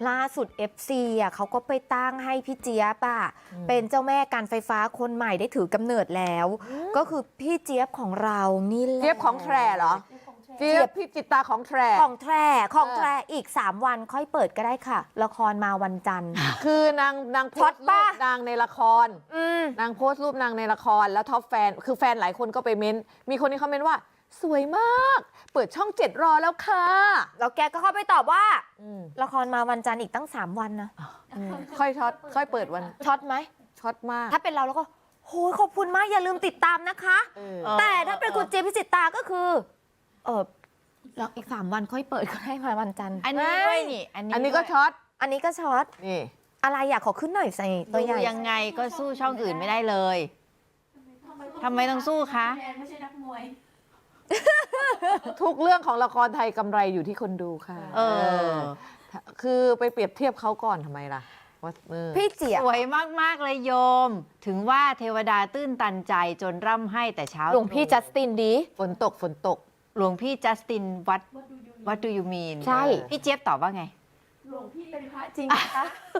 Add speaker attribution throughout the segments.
Speaker 1: ล่าสุด FC อ่ะเขาก็ไปตั้งให้พี่เจี๊ยบอ่ะเป็นเจ้าแม่การไฟฟ้าคนใหม่ได้ถือกำเนิดแล้ว ก็คือพี่เจี๊ยบของเรานี่แหละ
Speaker 2: เจี๊ยบของแทรเหรอเจี๊ยบพี่จิตตาของแทร
Speaker 1: ของแทรอีก3 วันค่อยเปิดก็ได้ค่ะ ละครมาวันจันทร์
Speaker 2: คือนางโพสต์รูปนางในละครนางโพสต์รูปนางในละครแล้วท็อปแฟนคือแฟนหลายคนก็ไปเม้นมีคนที่เขาเม้นว่าสวยมากเปิดช่อง7รอแล้วค่ะ
Speaker 1: แล้วแกก็เข้าไปตอบว่าละครมาวันจันทร์อีกตั้ง3 วันนะ
Speaker 2: ค่อยช็อตค่อยเปิดวัน
Speaker 1: ช็อตไหม
Speaker 2: ช็อตมาก
Speaker 1: ถ้าเป็นเราแล้วก็โหยขอบคุณมากอย่าลืมติดตามนะคะ แต่ถ้าเป็นคุณเจยบพิจิตราก็คือแล้วอีก3 วันค่อยเปิดก็ได้มาวันจันทร์
Speaker 3: อันนี้ด้วยนี่
Speaker 2: อันนี้ก็ช็อต
Speaker 1: อันนี้ก็ช็อต
Speaker 2: นี่
Speaker 1: อะไรอยากขอขึ้นหน่อยใส่ตัวใหญ่
Speaker 3: ยังไงก็สู้ช่องอื่นไม่ได้เลยทำไมต้องสู้คะ
Speaker 4: ไม่ใช่นักมวย
Speaker 2: ทุกเรื่องของละครไทยกำไรอยู่ที่คนดูค่ะคือไปเปรียบเทียบเขาก่อนทำไมล่ะว่า
Speaker 1: พี่เจี๊ยบ
Speaker 3: สวยมากๆเลยโยม ถึงว่าเทวดาตื้นตันใจจนร่ำให้แต่เช้า
Speaker 1: หลวงพี่จัสตินดี
Speaker 2: ฝนตก
Speaker 3: หลวงพี่จัสตินวัดดูยูมีน
Speaker 1: ใช่
Speaker 3: พี่เจี๊ยบตอบว่าไง
Speaker 4: หลวงพี่เป็นพระจริงนะคะ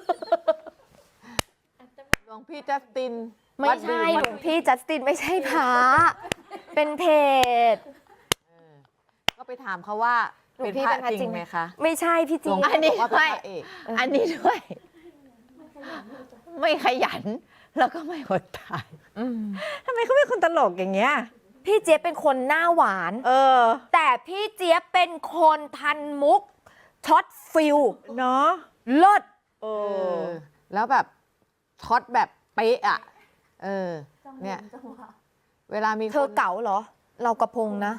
Speaker 2: หลวงพี่จัสติน
Speaker 1: ไม่ใช่หลวงพี่จัสตินไม่ใช่พระเป็นเพจ
Speaker 2: ก็ไปถามเขาว่าเป็นพระจริงไหมคะ
Speaker 1: ไม่ใช่พี่จี
Speaker 3: อันนี้
Speaker 2: ว่าเป็น
Speaker 3: ด้วย
Speaker 2: พระเอก
Speaker 3: อันนี้ด้วย ไม่ขยัน แล้วก็ไม่อดตายทำไมเขาเป็นคนตลกอย่างเงี้ย
Speaker 1: พี่เจี๊ยบเป็นคนหน้าหวาน แต่พี่เจี๊ยบเป็นคนทันมุกช็อตฟิล
Speaker 3: เนาะ
Speaker 1: เลิศ
Speaker 2: แล้วแบบช็อตแบบเป๊ะอ่ะเนี่ยเวลามี
Speaker 1: เธอเก๋าเหรอ เรากระพงนะ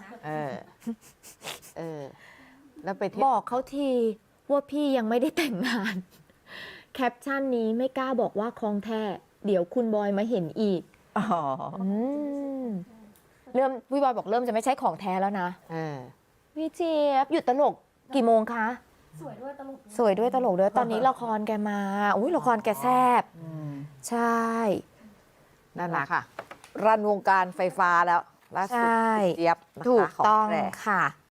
Speaker 2: แล้วไปเที่ยว
Speaker 1: บอกเขาทีว่าพี่ยังไม่ได้แต่งงาน แคปชั่นนี้ไม่กล้าบอกว่าคลองแท้ เดี๋ยวคุณบอยมาเห็นอีกเริ่มพี่บอยบอกเริ่มจะไม่ใช่ของแท้แล้วนะพี่เจี๊ยบหยุดตลกกี่โมงคะ
Speaker 4: สวยด้วยตลก
Speaker 1: สวยด้วยตลกด้วยตอนนี้ละครแกมาอุ้ยละครแกแซ่บใช่
Speaker 2: นั่นแหละค่ะ รันวงการไฟฟ้าแล้วล่าสุด
Speaker 1: ใช่
Speaker 2: เจี๊ยบนะคะ
Speaker 1: ถูกต้อง
Speaker 2: ขแท้
Speaker 1: ค่ะ